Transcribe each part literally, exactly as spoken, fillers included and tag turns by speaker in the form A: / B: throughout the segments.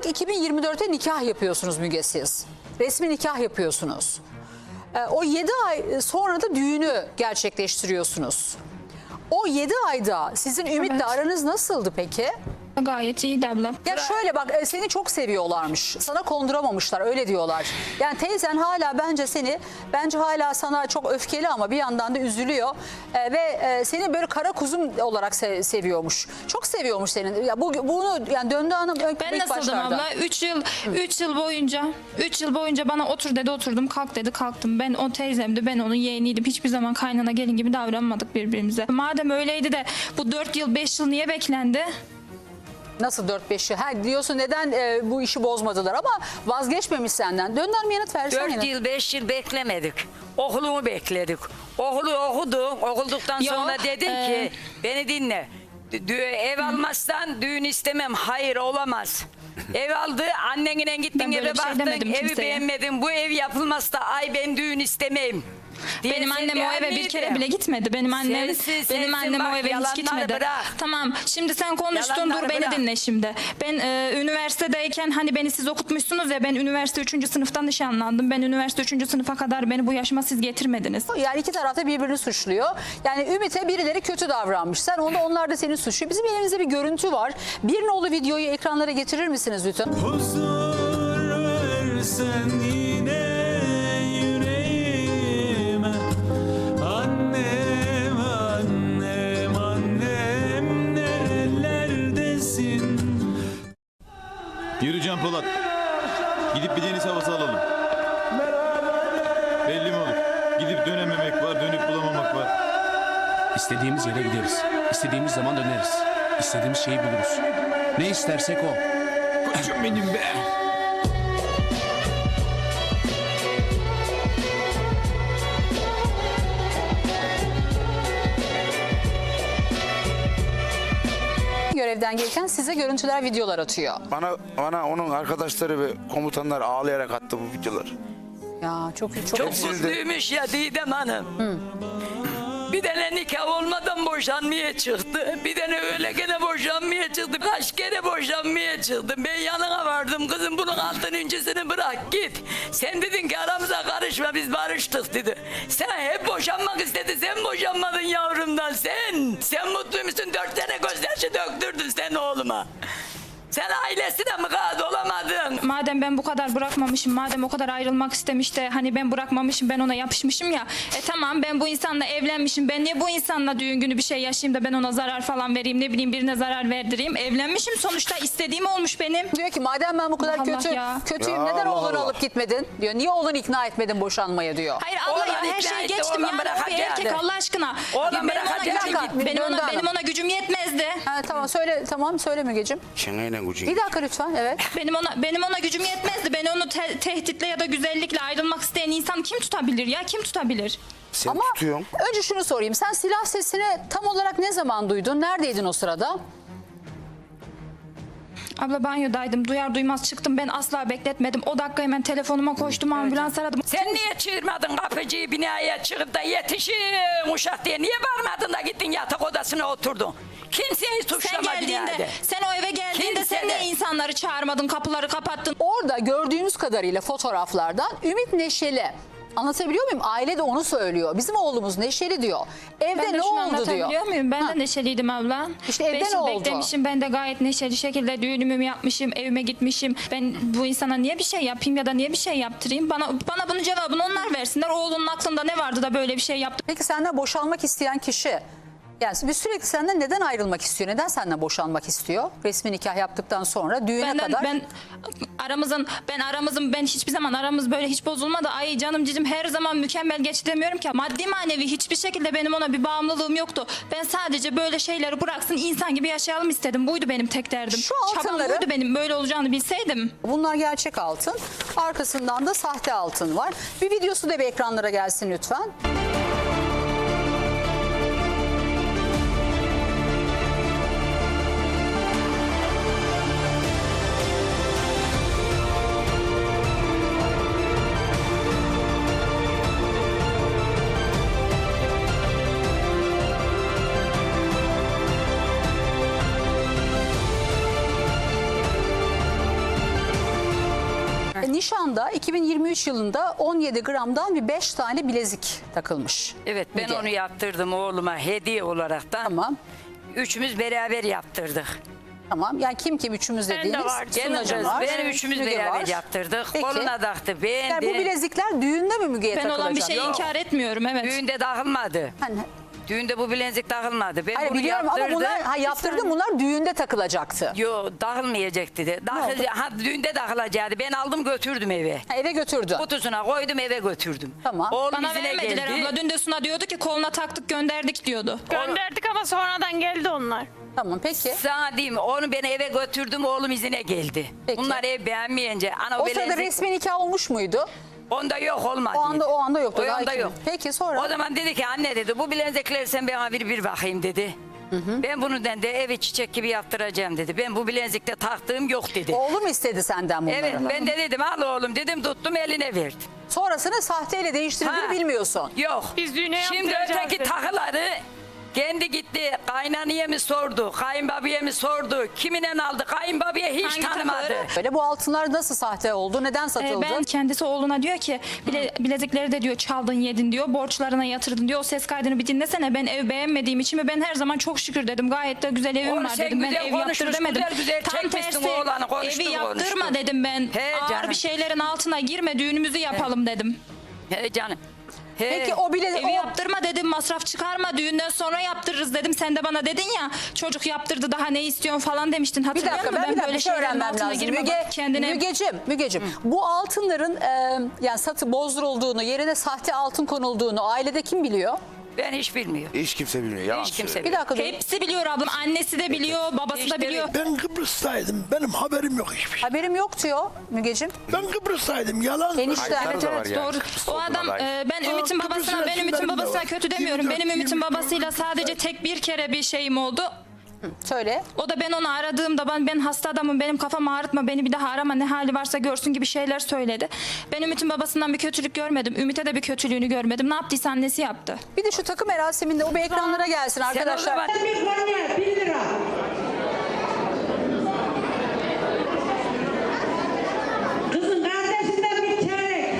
A: Aralık iki bin yirmi dörtte nikah yapıyorsunuz Müge siz. Resmi nikah yapıyorsunuz. Ee, o yedi ay sonra da düğünü gerçekleştiriyorsunuz. O yedi ayda sizin Ümit'le
B: Evet.
A: aranız nasıldı peki?
B: Gayet iyiydi abla.
A: Ya şöyle bak, e, seni çok seviyorlarmış. Sana konduramamışlar, öyle diyorlar. Yani teyzen hala bence seni, bence hala sana çok öfkeli ama bir yandan da üzülüyor. E, ve e, seni böyle kara kuzum olarak se- seviyormuş. Çok seviyormuş seni. Ya bu bunu yani Döndü Hanım ilk
B: Ben nasıldım
A: başlarda.
B: abla? üç yıl üç yıl boyunca üç yıl boyunca bana otur dedi oturdum, kalk dedi kalktım. Ben o teyzemdi, ben onun yeğeniydim. Hiçbir zaman kaynana gelin gibi davranmadık birbirimize. Madem öyleydi de bu dört yıl beş yıl niye beklendi?
A: Nasıl dört beş yıl? Ha, diyorsun neden e, bu işi bozmadılar ama vazgeçmemiş senden. Döndü Hanım yanıt versene.
C: Dört yıl beş yıl beklemedik. Okulumu bekledik. Okulu okudu. Okulduktan
B: Yo,
C: sonra dedim
B: e-
C: ki beni dinle. Dü- ev almazsan düğün istemem. Hayır olamaz. Ev aldı, annenle gittin
B: Ben böyle
C: eve
B: bir şey
C: baktın,
B: demedim
C: evi
B: kimseye.
C: beğenmedin. Bu ev yapılmazsa ay ben düğün istemeyim. diye
B: Benim
C: sen
B: annem o eve bir
C: beğenmedin.
B: kere bile gitmedi. Benim annem
C: Sensin,
B: benim
C: sensin,
B: annem
C: bak,
B: o eve hiç
C: yalanları
B: gitmedi.
C: bırak.
B: Tamam. Şimdi sen konuştun,
C: Yalanları
B: dur beni
C: bırak.
B: dinle şimdi. Ben e, üniversitedeyken hani beni siz okutmuşsunuz ya, ben üniversite üçüncü sınıftan nişanlandım. Ben üniversite üçüncü sınıfa kadar beni bu yaşıma siz getirmediniz.
A: Yani iki taraf da birbirini suçluyor. Yani Ümit'e birileri kötü davranmış. Sen onda, onlar da seni suçluyor. Bizim elimizde bir görüntü var. Bir nolu videoyu ekranlara getirir misiniz lütfen?
D: Huzur versen yine yüreğime. Annem, annem, annem nerelerdesin?
E: Yürü Can Polat. Gidip bir deniz havası alalım. Belli mi olur? Gidip dönememek var, dönüp bulamamak var.
F: İstediğimiz yere gideriz. İstediğimiz zaman döneriz. İstediğimiz şeyi buluruz. Ne istersek o.
E: Koçum benim be.
A: Görevden gelirken size görüntüler, videolar atıyor.
G: Bana bana onun arkadaşları ve komutanlar ağlayarak attı bu videoları.
A: Ya çok çok,
C: Çok
G: Hepsini de-
C: mutluymuş ya Didem Hanım. Bir tane nikah olmadan boşanmaya çıktı. Bir tane öyle gene boşanmaya çıktı. Kaç kere boşanmaya çıktı. Ben yanına vardım, kızım bunun altıncısını bırak git. Sen dedin ki aramıza karışma, biz barıştık dedi. Sen hep boşanmak istedi, sen boşanmadın yavrumdan sen. Sen mutlu musun? Dört tane gözyaşı döktürdün sen oğluma. Sen ailesine mukat olamadın.
B: Madem ben bu kadar bırakmamışım, madem o kadar ayrılmak istemiş de hani ben bırakmamışım, ben ona yapışmışım ya. E tamam, ben bu insanla evlenmişim. Ben niye bu insanla düğün günü bir şey yaşayayım da ben ona zarar falan vereyim, ne bileyim birine zarar verdireyim. Evlenmişim sonuçta, istediğim olmuş benim.
A: diyor ki madem ben bu kadar
B: Allah
A: kötü
B: ya.
A: kötüyüm
G: Ya
A: neden
G: Allah
A: oğlunu
G: Allah.
A: alıp gitmedin diyor. Niye oğlunu ikna etmedin boşanmaya diyor.
B: Hayır abla
C: Oğlan
B: ya, her
C: ikna
B: şeyi
C: etti,
B: geçtim
C: oğlan
B: yani, o bir
C: bırakacaktı.
B: erkek Allah aşkına.
C: Oğlan
B: Ya benim ona
C: bırakacaktı,
B: gücüm,
A: gitti.
B: benim
A: Döndü
B: ona,
A: hanım.
B: benim ona gücüm yetmezdi.
A: Ha, tamam söyle, tamam söyle Mügeciğim.
G: Şenayla gücün.
A: Bir dakika lütfen, evet.
B: Benim ona benim ona gücüm yetmezdi. Beni onu te- tehditle ya da güzellikle ayrılmak isteyen insan kim tutabilir ya? Kim tutabilir?
G: Sen
A: Ama
G: tutuyorsun.
A: önce şunu sorayım. Sen silah sesini tam olarak ne zaman duydun? Neredeydin o sırada?
B: Abla banyodaydım. Duyar duymaz çıktım. Ben asla bekletmedim. O dakika hemen telefonuma koştum. Ambulans aradım.
C: Sen niye çığırmadın kapıcıyı binaya çıkıp da yetişin uşak diye? Niye varmadın da gittin yatak odasına oturdun? Kimseyi
B: Sen
C: suçlama
B: geldiğinde,
C: binada.
B: sen o eve geldiğinde
C: Kimse
B: sen
C: de-
B: niye insanları çağırmadın? Kapıları kapattın.
A: Orada gördüğümüz kadarıyla fotoğraflardan Ümit neşeli. Anlatabiliyor muyum? Aile de onu söylüyor. Bizim oğlumuz neşeli diyor. Evde
B: Ben de
A: ne
B: şunu
A: oldu diyor.
B: anlatabiliyor muyum? Ben
A: Ha.
B: de neşeliydim abla.
A: İşte evde
B: Beş
A: ne
B: yıl
A: oldu?
B: beklemişim. Ben de gayet neşeli şekilde düğünümü yapmışım. Evime gitmişim. Ben bu insana niye bir şey yapayım ya da niye bir şey yaptırayım? Bana bana bunun cevabını onlar versinler. Oğlunun aklında ne vardı da böyle bir şey yaptı?
A: Peki senden boşanmak isteyen kişi, yani biz sürekli senden neden ayrılmak istiyor? Neden senden boşanmak istiyor? Resmi nikah yaptıktan sonra düğüne
B: Benden,
A: kadar.
B: ben aramızın ben aramızın ben hiçbir zaman aramız böyle hiç bozulmadı. Ay canım cicim her zaman mükemmel geçti demiyorum ki. Maddi manevi hiçbir şekilde benim ona bir bağımlılığım yoktu. Ben sadece böyle şeyleri bıraksın, insan gibi yaşayalım istedim. Buydu benim tek derdim.
A: Şu
B: Çabam
A: altınları-
B: buydu benim, böyle olacağını bilseydim.
A: Bunlar gerçek altın. Arkasından da sahte altın var. Bir videosu da bir ekranlara gelsin lütfen. nişanda iki bin yirmi üç yılında on yedi gramdan bir beş tane bilezik takılmış.
C: Evet ben
A: Müge.
C: onu yaptırdım oğluma hediye olaraktan.
A: Tamam.
C: Üçümüz beraber yaptırdık.
A: Tamam. Yani kim kim üçümüz
B: Ben de
A: dediğiniz?
B: var.
C: Gelin
A: Sunacı
C: kız
A: var,
C: beni üçümüz
A: Müge
C: beraber
A: var.
C: yaptırdık.
A: Peki.
C: Koluna taktı beğendi.
A: Yani bu bilezikler düğünde mi Müge'ye
B: Ben
A: takılacak?
B: olan bir şeyi
C: Yok.
B: inkar etmiyorum, evet.
C: Düğünde takılmadı.
A: Hani,
C: Düğünde bu bilezik takılmadı. Ben
A: hayır
C: bunu
A: biliyorum ama
C: yaptırdım.
A: bunlar ha, yaptırdım bunlar düğünde takılacaktı.
C: Yo takılmayacak dedi. Takıl, ha, düğünde takılacaktı. Ben aldım götürdüm eve.
A: Ha, eve götürdü.
C: Kutusuna koydum eve götürdüm.
A: Tamam.
C: Oğlum
B: Bana
C: izine
B: vermediler
C: geldi.
B: abla. Dün de Suna diyordu ki koluna taktık gönderdik diyordu.
H: Gönderdik ama sonradan geldi onlar.
A: Tamam peki.
C: Sana diyeyim onu ben eve götürdüm oğlum izine geldi.
A: Peki.
C: Bunlar ev beğenmeyince. Ana
A: O sırada
C: bilezik-
A: resmi nikah olmuş muydu?
C: Onda yok olmadı.
A: O anda o anda yoktu.
C: O
A: Daha
C: anda
A: iki-
C: yok.
A: Peki sonra?
C: O zaman dedi ki anne dedi bu bilezikleri sen bana bir bir bakayım dedi. Ben bunu de evi çiçek gibi yaptıracağım dedi. Ben bu bilezikte taktığım yok dedi.
A: Oğlum istedi senden bunları.
C: Evet ben de dedim al oğlum dedim tuttum eline verdim.
A: Sonrasını sahteyle değiştirdiğini
C: Ha.
A: bilmiyorsun.
C: Yok.
H: Biz düğüne
C: Şimdi
H: yaptıracağız
C: öteki
H: dedi.
C: takıları kendi gitti kaynanaya mı sordu, kayınbabaya mı sordu, kimine aldı, kayınbabaya hiç
B: Hangi
C: tanımadı.
B: takıları?
A: Böyle bu altınlar nasıl sahte oldu? Neden
B: Ee,
A: satıldı?
B: ben kendisi oğluna diyor ki bile, bilezikleri de diyor çaldın yedin diyor, borçlarına yatırdın diyor. O ses kaydını bir dinlesene, ben ev beğenmediğim için mi, ben her zaman çok şükür dedim, gayet de güzel evim
C: Onu
B: var
C: sen
B: dedim, ben
C: güzel
B: ev yaptır
C: konuşmuş,
B: demedim.
C: güzel güzel
B: Tam
C: çekmişsin
B: tersi
C: oğlanı, konuştun,
B: evi yaptırma
C: konuştun.
B: dedim ben.
C: He
B: Ağır
C: canım.
B: bir şeylerin altına girme, düğünümüzü yapalım dedim.
C: He canım. He.
A: Peki o bile
B: Evi
A: o,
B: yaptırma dedim, masraf çıkarma, düğünden sonra yaptırırız dedim. Sen de bana dedin ya çocuk yaptırdı daha ne istiyorsun falan demiştin,
A: bir
B: hatırlıyor
A: dakika
B: musun?
A: ben, bir dakika bir şey
B: şeylerin
A: öğrenmem
B: altına
A: lazım.
B: girme,
A: Müge,
B: bak kendine.
A: Mügeciğim, Mügeciğim. Bu altınların e, yani satı bozdurulduğunu, yerine sahte altın konulduğunu ailede kim biliyor?
C: Ben hiç bilmiyorum.
G: Hiç kimse bilmiyor. Yalan
C: Hiç kimse
G: söylüyor.
A: Bir dakika dur.
B: Hepsi biliyor ablam, annesi de biliyor, babası
C: İşte
B: da biliyor.
I: Ben Kıbrıs'taydım. Benim haberim yok hiçbir şey.
A: Haberim yok diyor Mügeciğim.
I: Ben Kıbrıs'taydım. Yalan.
A: Enişte.
G: Kayıtları
B: Evet
G: da var
B: evet
G: yani.
B: doğru.
G: Kıbrıs'ta
B: O
G: olduğuna
B: adam
G: dair.
B: e, ben
I: Aa,
B: Ümit'in
I: Kıbrıs'ın
B: babasına, ben Ümit'in
I: resimlerim de
B: babasına
I: var.
B: kötü demiyorum.
I: yirmi dört,
B: Benim Ümit'in
I: yirmi beş
B: babasıyla sadece tek bir kere bir şeyim oldu.
A: Söyle.
B: O da ben onu aradığımda ben, ben hasta adamım, benim kafamı ağrıtma, beni bir daha arama, ne hali varsa görsün gibi şeyler söyledi. Ben Ümit'in babasından bir kötülük görmedim. Ümit'e de bir kötülüğünü görmedim. Ne yaptıysa annesi yaptı.
A: Bir de şu takım merasiminde o bir ekranlara gelsin
C: Sen o
A: arkadaşlar.
C: zaman
J: Bir konya bir lira. Kızın kardeşinden bir çeyrek.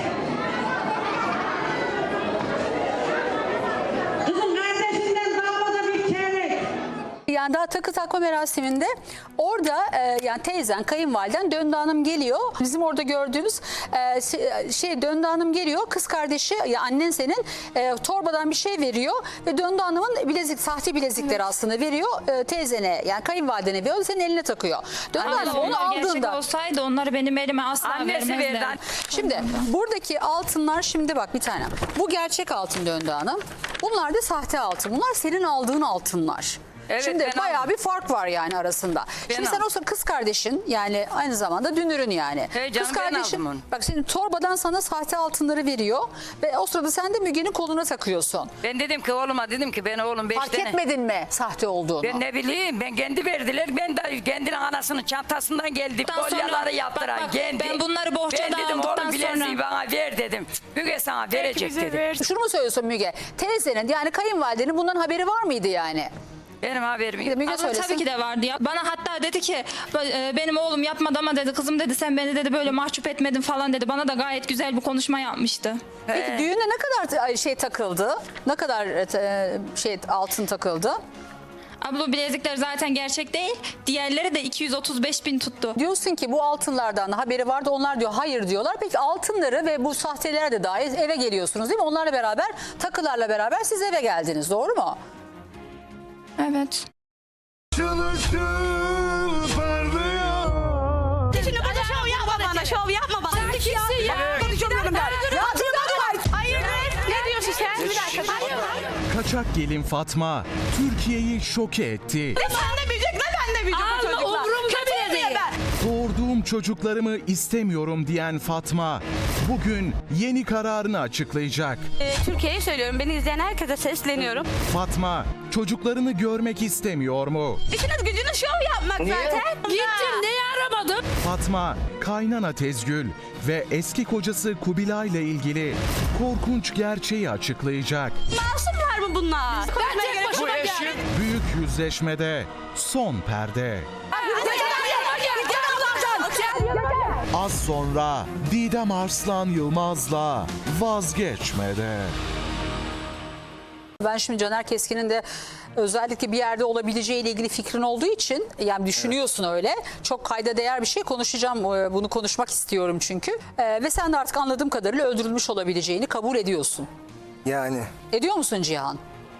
J: Kızın kardeşinden damada bir çeyrek.
A: Yani daha takı takma merasiminde orada e, yani teyzen, kayınvaliden Döndü Hanım geliyor. Bizim orada gördüğümüz e, se- şey Döndü Hanım geliyor. Kız kardeşi ya annen senin e, torbadan bir şey veriyor ve Döndü Hanım'ın bilezik, sahte bilezikleri aslında veriyor e, teyzene yani kayınvalidene veriyor. Senin eline takıyor. Döndü
B: Ama
A: Hanım onu
B: onlar gerçek
A: aldığında.
B: olsaydı onları benim elime asla
C: annesi verdi.
B: vermezler.
A: Şimdi buradaki altınlar şimdi bak bir tane. Bu gerçek altın Döndü Hanım. Bunlar da sahte altın. Bunlar senin aldığın altınlar.
C: Evet,
A: Şimdi
C: ben
A: bayağı
C: aldım.
A: bir fark var yani arasında.
C: Ben
A: Şimdi sen
C: aldım.
A: o sırada kız kardeşin yani aynı zamanda dünürün yani.
C: He canım,
A: kız
C: ben
A: kardeşin
C: aldım onu.
A: bak senin torbadan sana sahte altınları veriyor ve o sırada sen de Müge'nin koluna takıyorsun.
C: ben dedim ki oğluma dedim ki ben oğlum beş
A: Fark
C: tane.
A: etmedin mi sahte olduğunu?
C: Ben ne bileyim ben kendi verdiler. Ben de kendinin anasının çantasından geldi.
B: Ondan sonra-
C: Kolyaları yaptıran
B: bak, bak,
C: kendi.
B: ben bunları bohçada
C: Ben dedim
B: aldıktan
C: oğlum bileziği
B: sonra-
C: bana ver dedim. Müge sana verecek
H: bize
C: dedi.
H: ver.
A: Şunu mu söylüyorsun Müge? Teyzenin yani kayınvalidenin bundan haberi var mıydı yani?
C: Benim haberim
A: Bir de
C: yok.
A: Müge
B: Abla
A: söylesin.
B: tabii ki de vardı ya. Bana hatta dedi ki "E, benim oğlum yapmadı ama dedi, kızım dedi sen beni dedi böyle mahcup etmedin falan dedi. Bana da gayet güzel bir konuşma yapmıştı.
A: Peki düğünde ne kadar şey takıldı? Ne kadar e, şey altın takıldı?
B: Abla bu bilezikler zaten gerçek değil. Diğerleri de iki yüz otuz beş bin tuttu.
A: Diyorsun ki bu altınlardan haberi vardı. Onlar diyor hayır diyorlar. Peki altınları ve bu sahteler de dahil eve geliyorsunuz değil mi? Onlarla beraber takılarla beraber siz eve geldiniz. Doğru mu?
B: Evet.
D: Işıl ışıl parlıyor.
H: Şimdi bana şov yapma bana, şov yapma bana. Sen kimsin ya? Konuşamıyorum ben.
A: Ya dur,
H: Hayır, ne diyorsun sen? Bir dakika. Hayır.
K: Kaçak gelin Fatma Türkiye'yi şoke etti.
H: Ne sen de büyüyecek, ne ben de büyüyecek bu çocuklar. Umurumda bile değil.
K: Doğurduğum çocuklarımı istemiyorum diyen Fatma bugün yeni kararını açıklayacak.
H: Ee, Türkiye'ye söylüyorum, beni izleyen herkese sesleniyorum.
K: Fatma çocuklarını görmek istemiyor mu?
H: İşiniz gücünüz şov yapmak zaten. Gittim, neyi aramadım?
K: Fatma, kaynana Tezgül ve eski kocası Kubilay ile ilgili korkunç gerçeği açıklayacak.
H: Masumlar mı bunlar? Ben tek başıma geldim.
K: Büyük yüzleşmede son perde. Az sonra Didem Arslan Yılmaz'la Vazgeçmede.
A: Ben şimdi Caner Keskin'in de özellikle bir yerde olabileceğiyle ilgili fikrin olduğu için, yani düşünüyorsun öyle. Çok kayda değer bir şey konuşacağım. Ee, Bunu konuşmak istiyorum çünkü. Ee, ve sen de artık anladığım kadarıyla öldürülmüş olabileceğini kabul ediyorsun.
L: Yani
A: Ediyor musun Cihan?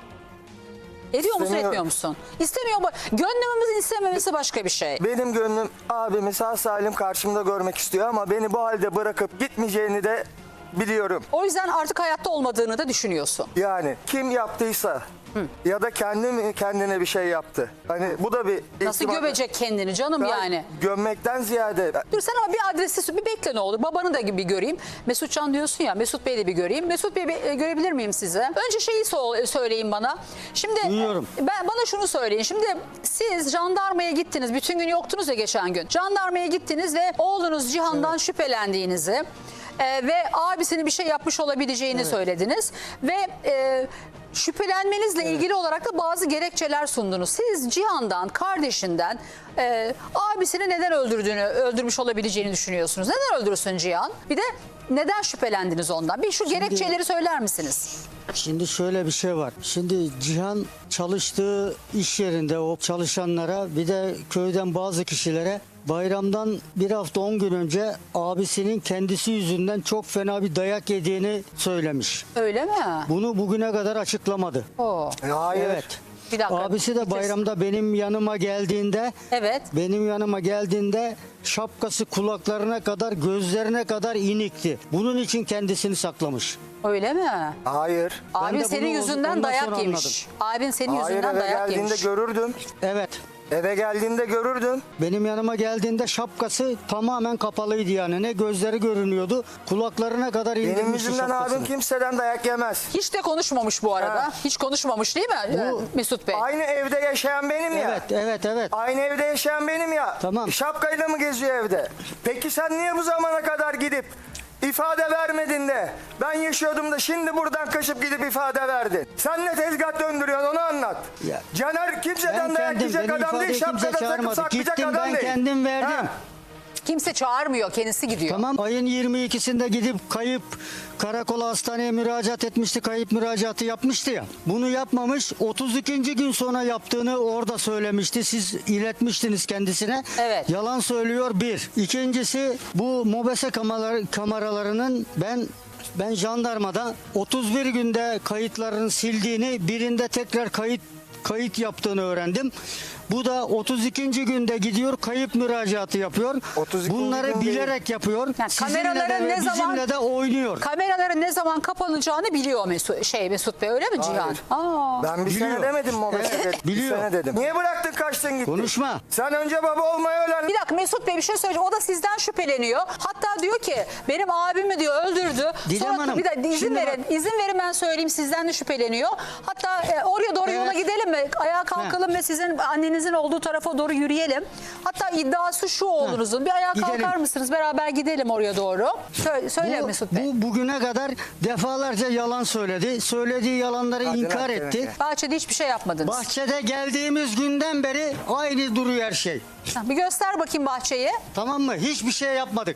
A: Ediyor musun,
L: İstemiyor.
A: etmiyor musun? İstemiyor mu? Gönlümüzün istememesi başka bir şey.
L: benim gönlüm abimi sağ salim karşımda görmek istiyor ama beni bu halde bırakıp gitmeyeceğini de biliyorum.
A: O yüzden artık hayatta olmadığını da düşünüyorsun.
L: Yani kim yaptıysa ya da kendi mi kendine bir şey yaptı. Hani bu da bir
A: Nasıl
L: ihtimal-
A: gömecek kendini canım
L: Ben
A: yani?
L: Gömmekten ziyade
A: Dur sen ama bir adresi bir bekle ne olur. Babanı da bir göreyim. Mesutcan diyorsun ya, Mesut Bey'i de bir göreyim. Mesut Bey bir, e, görebilir miyim size? Önce şeyi so- söyleyin bana. Şimdi
I: Duyuyorum.
A: e, ben bana şunu söyleyin. Şimdi siz jandarmaya gittiniz. Bütün gün yoktunuz ya geçen gün. Jandarmaya gittiniz ve oğlunuz Cihan'dan şüphelendiğinizi e, ve abisinin bir şey yapmış olabileceğini söylediniz. Ve e, şüphelenmenizle ilgili olarak da bazı gerekçeler sundunuz. Siz Cihan'dan, kardeşinden e, abisini neden öldürdüğünü, öldürmüş olabileceğini düşünüyorsunuz. Neden öldürsün Cihan? Bir de neden şüphelendiniz ondan? Bir şu gerekçeleri söyler misiniz?
I: Şimdi şöyle bir şey var. Şimdi Cihan çalıştığı iş yerinde o çalışanlara bir de köyden bazı kişilere bayramdan bir hafta on gün önce abisinin kendisi yüzünden çok fena bir dayak yediğini söylemiş.
A: Öyle mi?
I: Bunu bugüne kadar açıklamadı.
A: Oo.
L: hayır.
I: Evet.
A: Bir dakika.
I: Abisi de bayramda benim yanıma geldiğinde
A: Evet.
I: benim yanıma geldiğinde şapkası kulaklarına kadar gözlerine kadar inikti. Bunun için kendisini saklamış.
A: Öyle mi?
L: Hayır.
A: Abin
I: de
A: senin
I: bunu
A: yüzünden
I: ondan
A: dayak
I: sonra
A: yemiş. Abin senin
L: Hayır,
A: yüzünden
L: eve
A: dayak
L: geldiğinde
A: yemiş.
L: görürdüm.
I: Evet.
L: Eve geldiğinde görürdüm.
I: Benim yanıma geldiğinde şapkası tamamen kapalıydı yani. Ne gözleri görünüyordu. Kulaklarına kadar indirmişti
L: Benim yüzümden
I: şapkasını.
L: abim kimseden dayak yemez.
A: Hiç de konuşmamış bu arada.
L: Ha.
A: Hiç konuşmamış değil mi
I: Bu-
A: e, Mesut Bey?
L: Aynı evde yaşayan benim ya.
I: Evet, evet, evet.
L: Aynı evde yaşayan benim ya.
I: Tamam.
L: Şapkayla mı geziyor evde? Peki sen niye bu zamana kadar gidip ifade vermedin de ben yaşıyordum da şimdi buradan kaçıp gidip ifade verdin? Sen ne tezgah döndürüyorsun onu anlat.
I: Ya,
L: Caner kimseden
I: Ben
L: dayak
I: kendim,
L: yiyecek
I: beni
L: adam değil,
I: ifadeye kimse
L: şapkada takıp
I: çağırmadı.
L: saklayacak
I: Gittim
L: adam
I: ben
L: değil.
I: kendim verdim.
L: Ha.
A: Kimse çağırmıyor. Kendisi gidiyor.
I: Tamam, ayın yirmi ikisinde gidip kayıp karakola hastaneye müracaat etmişti. Kayıp müracaatı yapmıştı ya. Bunu yapmamış. otuz ikinci gün sonra yaptığını orada söylemişti. Siz iletmiştiniz kendisine.
A: Evet.
I: Yalan söylüyor bir. İkincisi bu mobese kameraları, kameralarının ben ben jandarmada otuz bir günde kayıtlarını sildiğini, birinde tekrar kayıt kayıt yaptığını öğrendim. Bu da otuz ikinci günde gidiyor kayıp müracaatı yapıyor.
L: otuz ikinci
I: Bunları
L: gün değil.
I: bilerek yapıyor.
A: Yani
I: Sizinle
A: kameraların
I: de ve
A: ne zaman-
I: bizimle de oynuyor.
A: Kameraların ne zaman kapanacağını biliyor Mesut, şey Mesut Bey, öyle mi Cihan?
L: Hayır.
A: Aa.
L: Ben bir
I: Biliyor.
L: sene demedim mi o
I: Evet,
L: meselede? Bir
I: biliyor.
L: sene dedim. Niye bıraktın kaçtın gittin?
I: Konuşma.
L: Sen önce baba olmayı öğren.
A: Bir dakika Mesut Bey bir şey söyleyeceğim. O da sizden şüpheleniyor. Hatta diyor ki benim abimi diyor öldürdü.
I: Didem
A: Sonra
I: Hanım,
A: bir de izin
I: şimdi
A: verin.
I: bak-
A: İzin verin ben söyleyeyim, sizden de şüpheleniyor. Hatta e, oraya doğru yola
I: Evet.
A: gidelim mi? Ayağa kalkalım ve sizin annenizin olduğu tarafa doğru yürüyelim. Hatta iddiası şu oğlunuzun. Bir ayağa
I: Gidelim.
A: kalkar mısınız? Beraber gidelim oraya doğru. Söyle, söyle
I: Bu,
A: Mesut Bey.
I: bu bugüne kadar defalarca yalan söyledi. Söylediği yalanları
L: Hadi
I: inkar
L: lan,
I: etti.
L: evet.
A: Bahçede hiçbir şey yapmadınız.
I: Bahçede geldiğimiz günden beri aynı duruyor her şey.
A: Ha, bir göster bakayım bahçeyi.
I: Tamam mı? Hiçbir şey yapmadık.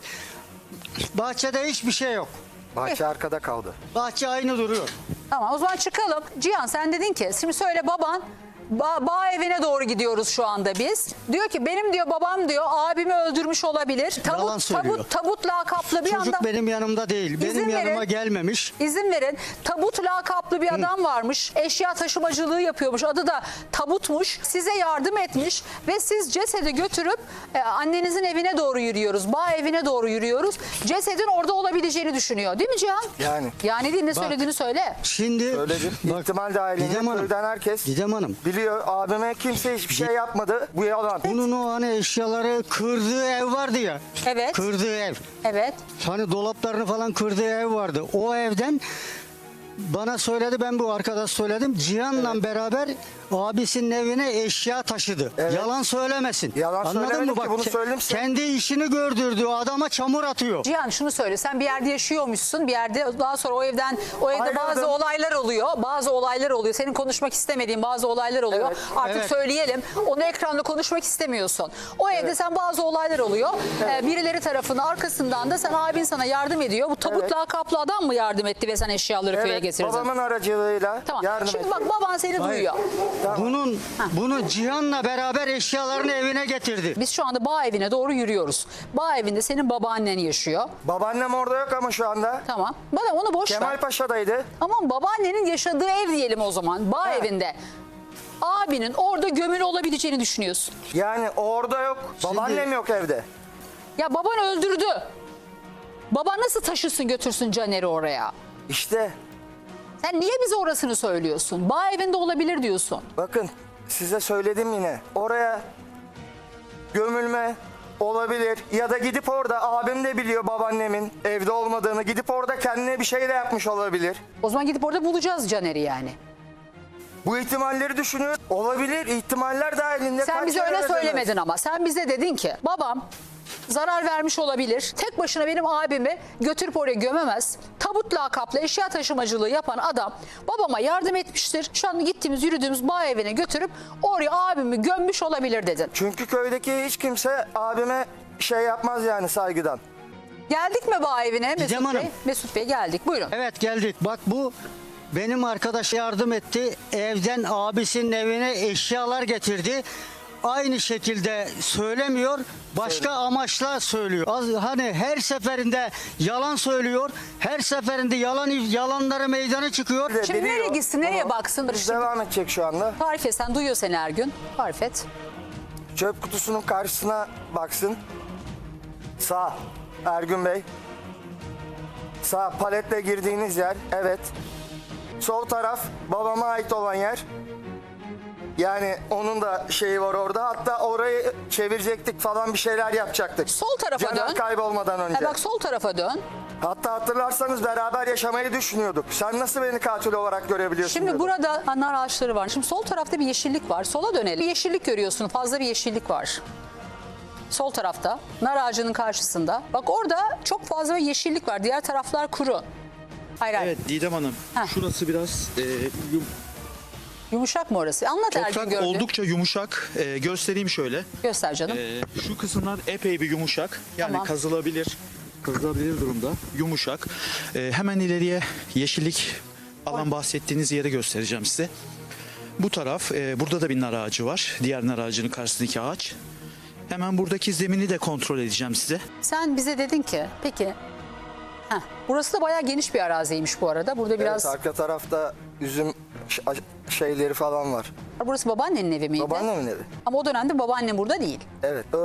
I: Bahçede hiçbir şey yok.
L: Bahçe arkada kaldı.
I: Bahçe aynı duruyor.
A: Tamam o zaman çıkalım. Cihan sen dedin ki şimdi söyle baban ba bağ evine doğru gidiyoruz şu anda biz. Diyor ki benim diyor babam diyor abimi öldürmüş olabilir.
I: Yalan
A: Tabut,
I: söylüyor.
A: tabut, tabut lakaplı bir
I: Çocuk
A: anda.
I: benim yanımda değil. Benim
A: İzin
I: yanıma
A: verin.
I: gelmemiş.
A: İzin verin. Tabut lakaplı bir adam varmış. Eşya taşımacılığı yapıyormuş. Adı da Tabutmuş. Size yardım etmiş ve siz cesedi götürüp e, annenizin evine doğru yürüyoruz. Bağ evine doğru yürüyoruz. Cesedin orada olabileceğini düşünüyor. Değil mi Cihan?
L: Yani.
A: Yani değil, ne
I: Bak.
A: söylediğini söyle.
I: Şimdi
L: Söyledim.
I: bak,
L: İhtimal dahilinde
I: Didem Hanım,
L: köyden herkes
I: Didem Hanım.
L: biliyor. Abime kimse hiçbir şey yapmadı. Bu yalan.
I: Bunun o hani eşyaları kırdığı ev vardı ya.
A: Evet.
I: Kırdığı ev.
A: Evet.
I: Hani dolaplarını falan kırdığı ev vardı. O evden bana söyledi, ben bu arkadaş söyledim. Cihan'la beraber abisinin evine eşya taşıdı.
L: Evet.
I: Yalan söylemesin.
L: Yalan
I: Anladın
L: söylemedim
I: mı?
L: ki,
I: Bak,
L: bunu
I: ke-
L: söyleyeyim size.
I: kendi işini gördürdüğü adama çamur atıyor.
A: Cihan şunu söyle, sen bir yerde yaşıyormuşsun, bir yerde daha sonra o evden o evde
L: Ayrıldım.
A: bazı olaylar oluyor, bazı olaylar oluyor. Senin konuşmak istemediğin bazı olaylar oluyor.
L: Evet,
A: Artık
I: evet.
A: söyleyelim. Onu ekranda konuşmak istemiyorsun. O evde sen bazı olaylar oluyor. Ee, birileri tarafından arkasından da sen abin sana yardım ediyor. Bu tabut
L: Evet.
A: lakaplı adam mı yardım etti ve sen eşyaları köye
L: Evet,
A: getirdin?
L: babamın aracılığıyla
A: Tamam.
L: yardım
A: Şimdi
L: etti.
A: bak baban seni duyuyor.
I: Bunun bunu Cihan'la beraber eşyalarını evine getirdi.
A: Biz şu anda bağ evine doğru yürüyoruz. Bağ evinde senin babaannen yaşıyor.
L: Babaannem orada yok ama şu anda.
A: Tamam. Bana onu boş ver.
L: Kemal Paşa'daydı.
A: Aman babaannenin yaşadığı ev diyelim o zaman. Bağ
L: Ha.
A: evinde. Abinin orada gömülü olabileceğini düşünüyorsun.
L: Yani orada yok. Babaannem yok evde.
A: Ya baban öldürdü. Baban nasıl taşısın götürsün Caner'i oraya?
L: İşte
A: Sen niye bize orasını söylüyorsun? Bağ evinde olabilir diyorsun.
L: bakın size söyledim yine. Oraya gömülme olabilir ya da gidip orada abim de biliyor babaannemin evde olmadığını. Gidip orada kendine bir şey de yapmış olabilir.
A: O zaman gidip orada bulacağız Caner'i yani.
L: Bu ihtimalleri düşünüyor. Olabilir. ihtimaller dahilinde.
A: Sen
L: kaç
A: bize
L: kere
A: öyle
L: dediniz?
A: söylemedin ama. Sen bize dedin ki babam zarar vermiş olabilir. Tek başına benim abimi götürüp oraya gömemez. Tabut lakaplı eşya taşımacılığı yapan adam babama yardım etmiştir. Şu an gittiğimiz yürüdüğümüz bağ evine götürüp oraya abimi gömmüş olabilir dedin.
L: Çünkü köydeki hiç kimse abime şey yapmaz yani saygıdan.
A: Geldik mi bağ evine Mesut
I: Gidem
A: Bey?
I: Hanım.
A: Mesut Bey geldik buyurun.
I: Evet geldik. Bak bu benim arkadaş yardım etti. Evden abisinin evine eşyalar getirdi. Aynı şekilde söylemiyor. Başka amaçla söylüyor. Az, hani her seferinde yalan söylüyor. Her seferinde yalan yalanları meydana çıkıyor.
L: Bir de
A: Şimdi
L: biliyor.
A: nereye gitsin, nereye
L: Ama
A: baksın?
L: biz
A: Şimdi
L: devam edecek şu anda.
A: tarif et, sen duyuyor seni her gün. Tarif et.
L: Çöp kutusunun karşısına baksın. Sağ. Ergün Bey. Sağ paletle girdiğiniz yer. Evet. Sol taraf babama ait olan yer. Yani onun da şeyi var orada. Hatta orayı çevirecektik falan bir şeyler yapacaktık.
A: Sol tarafa
L: Caner
A: dön.
L: kaybolmadan önce.
A: Ha, bak sol tarafa dön.
L: Hatta hatırlarsanız beraber yaşamayı düşünüyorduk. Sen nasıl beni katil olarak görebiliyorsun?
A: Şimdi
L: diyordum.
A: burada nar ağaçları var. Şimdi sol tarafta bir yeşillik var. Sola dönelim. Bir yeşillik görüyorsun. Fazla bir yeşillik var. Sol tarafta. Nar ağacının karşısında. Bak orada çok fazla bir yeşillik var. Diğer taraflar kuru. Hayır hayır.
E: Evet Didem Hanım.
A: Heh.
E: Şurası biraz e, yum-
A: Yumuşak mı orası? Anlat Ergün
E: toprak
A: gördüğün.
E: oldukça yumuşak. E, göstereyim şöyle.
A: Göster canım.
E: E, şu kısımlar epey bir yumuşak. Yani
A: Tamam.
E: kazılabilir. Kazılabilir durumda. Yumuşak. E, hemen ileriye yeşillik alan bahsettiğiniz yeri göstereceğim size. Bu taraf, e, burada da bir nar ağacı var. Diğer nar ağacının karşısındaki ağaç. Hemen buradaki zemini de kontrol edeceğim size.
A: Sen bize dedin ki peki. Heh, burası da bayağı geniş bir araziymiş bu arada. Burada biraz.
L: Evet, arka tarafta üzüm ş- şeyleri falan var.
A: Burası babaannenin evi miydi?
L: Babaannemin evi.
A: Ama o dönemde babaannem burada değil.
L: Evet.